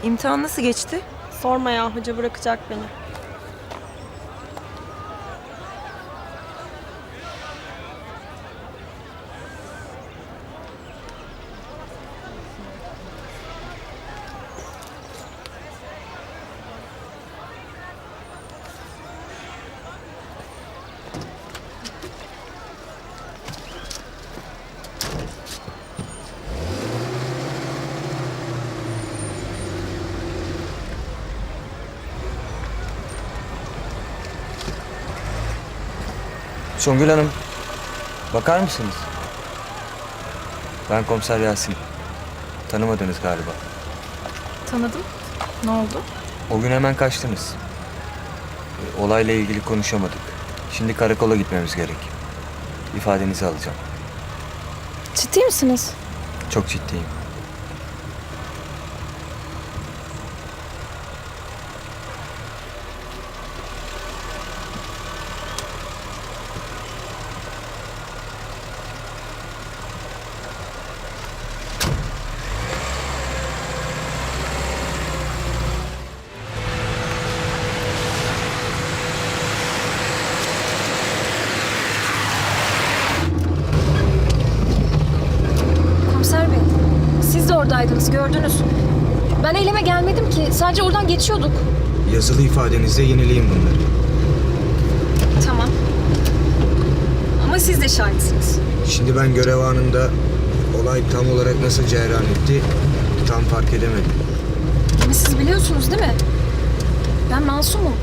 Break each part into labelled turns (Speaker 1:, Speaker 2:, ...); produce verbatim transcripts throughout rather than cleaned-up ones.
Speaker 1: İmtihan nasıl geçti?
Speaker 2: Sorma ya, hoca bırakacak beni.
Speaker 3: Songül Hanım, bakar mısınız? Ben Komiser Yasin. Tanımadınız galiba.
Speaker 1: Tanıdım. Ne oldu?
Speaker 3: O gün hemen kaçtınız. E, Olayla ilgili konuşamadık. Şimdi karakola gitmemiz gerek. İfadenizi alacağım.
Speaker 1: Ciddi misiniz?
Speaker 3: Çok ciddiyim.
Speaker 4: Komiser Bey, siz de oradaydınız, gördünüz. Ben eyleme gelmedim ki, sadece oradan geçiyorduk.
Speaker 5: Yazılı ifadenizde yenileyin bunları.
Speaker 4: Tamam. Ama siz de şahitsiniz.
Speaker 5: Şimdi ben görev anında olay tam olarak nasıl cereyan etti tam fark edemedim.
Speaker 4: Ama siz biliyorsunuz değil mi? Ben masumum.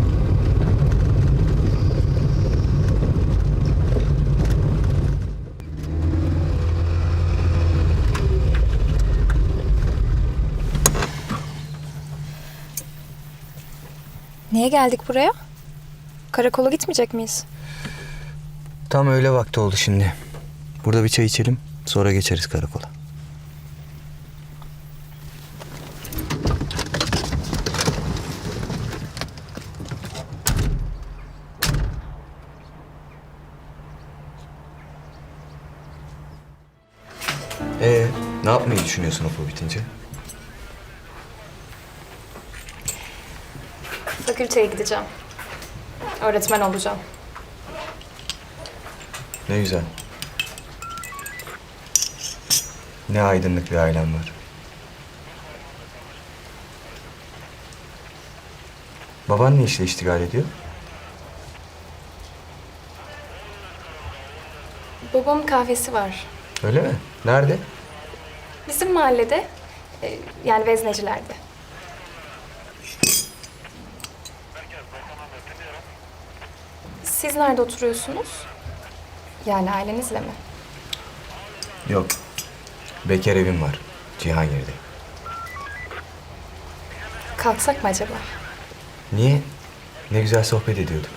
Speaker 1: Niye geldik buraya? Karakola gitmeyecek miyiz?
Speaker 3: Tam öyle vakti oldu şimdi. Burada bir çay içelim, sonra geçeriz karakola. Ee, ne yapmayı düşünüyorsun okul bitince?
Speaker 4: Fakülteye gideceğim. Öğretmen olacağım.
Speaker 3: Ne güzel. Ne aydınlık bir ailem var. Baban ne işle iştigal ediyor?
Speaker 4: Babamın kahvesi var.
Speaker 3: Öyle mi? Nerede?
Speaker 4: Bizim mahallede, e, yani Veznecilerde. Siz nerede oturuyorsunuz? Yani ailenizle mi?
Speaker 3: Yok. Bekar evim var. Cihangir'de.
Speaker 4: Kalksak mı acaba?
Speaker 3: Niye? Ne güzel sohbet ediyorduk.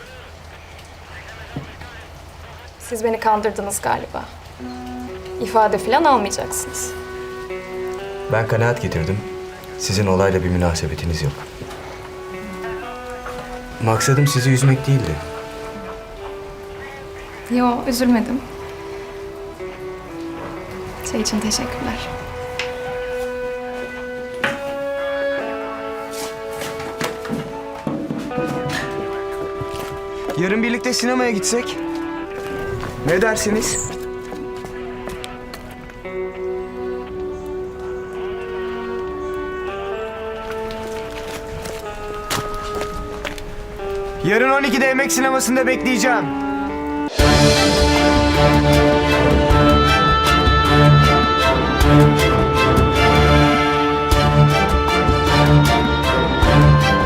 Speaker 4: Siz beni kandırdınız galiba. İfade falan almayacaksınız.
Speaker 3: Ben kanaat getirdim. Sizin olayla bir münasebetiniz yok. Maksadım sizi üzmek değildi.
Speaker 4: Yo, üzülmedim. Şey için teşekkürler.
Speaker 3: Yarın birlikte sinemaya gitsek? Ne dersiniz? Yarın on ikide Emek Sineması'nda bekleyeceğim.